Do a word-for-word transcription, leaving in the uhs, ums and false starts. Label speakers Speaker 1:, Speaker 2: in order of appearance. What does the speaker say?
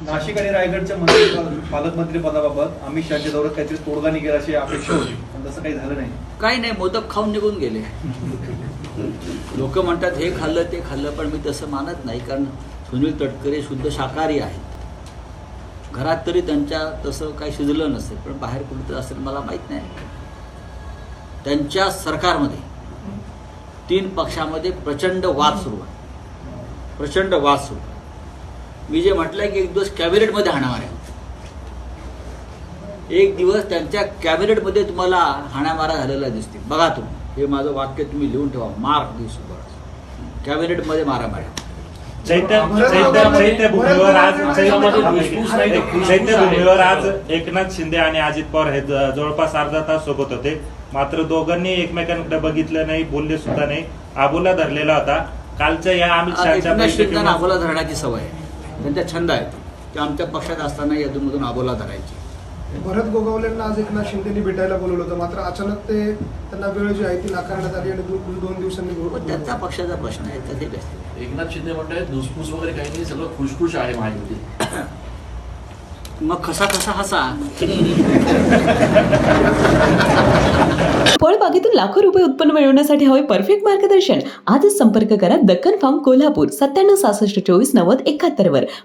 Speaker 1: नाशिक आणि रायगडच्या मंत्री पालकमंत्री पदाबाबत अमित शहाच्या दौऱ्यात काहीतरी तोडगा निघेल अशी अपेक्षा होती, पण तसं काही झालं नाही.
Speaker 2: काही नाही, मोदक खाऊन निघून गेले. लोक म्हणतात हे खाल्लं ते खाल्लं, पण मी तसं मानत नाही. कारण सुनील तटकरे शुद्ध शाकाहारी आहेत. घरात तरी त्यांच्या तसं काही शिजलं नसेल, पण बाहेर कुठं असेल मला माहीत नाही. त्यांच्या सरकारमध्ये तीन पक्षामध्ये प्रचंड वाद सुरू आहे, प्रचंड वाद सुरू आहे. मी जे म्हटलंय की एक दिवस कॅबिनेटमध्ये हाणामाऱ्या, एक दिवस त्यांच्या कॅबिनेटमध्ये तुम्हाला हाणामारा झालेला दिसतील. बघा तुम्ही, हे माझं वाक्य तुम्ही लिहून ठेवा, मार्क दिस कॅबिनेटमध्ये मारामाऱ्या.
Speaker 3: चैत्य चैत्यभूमीवर आज चैत्यभूमीवर आज एकनाथ शिंदे आणि अजित पवार हे जवळपास अर्धा तास सोबत होते. मात्र दोघांनी एकमेकांकडे बघितलं नाही, बोलले सुद्धा नाही. आबोला धरलेला होता. कालच्या या अमित शहाच्या
Speaker 2: बैठकीत आबोला धरण्याची सवय आहे, त्यांचा छंद आहे की आमच्या पक्षात असताना यातून आबोला धरायची.
Speaker 4: भरत गोगावलेंना आज एकनाथ शिंदेनी भेटायला बोलवलं होतं, मात्र अचानक ते त्यांना वेळ जी आहे ती नाकारण्यात आली आणि दोन दोन दिवसांनी
Speaker 2: त्यांचा पक्षाचा प्रश्न आहे. तर ते
Speaker 5: एकनाथ शिंदे म्हणतात धुसफूस वगैरे काही नाही, सगळं खुशखुश आहे महायुती.
Speaker 2: मग कसा कसा हसा.
Speaker 6: फळबागेतून लाखो रुपये उत्पन्न मिळवण्यासाठी हवे परफेक्ट मार्गदर्शन. आजच संपर्क करा दक्कन फार्म कोल्हापूर सत्त्याण्णव सहासष्ट चोवीस नव्वद एकाहत्तर वर.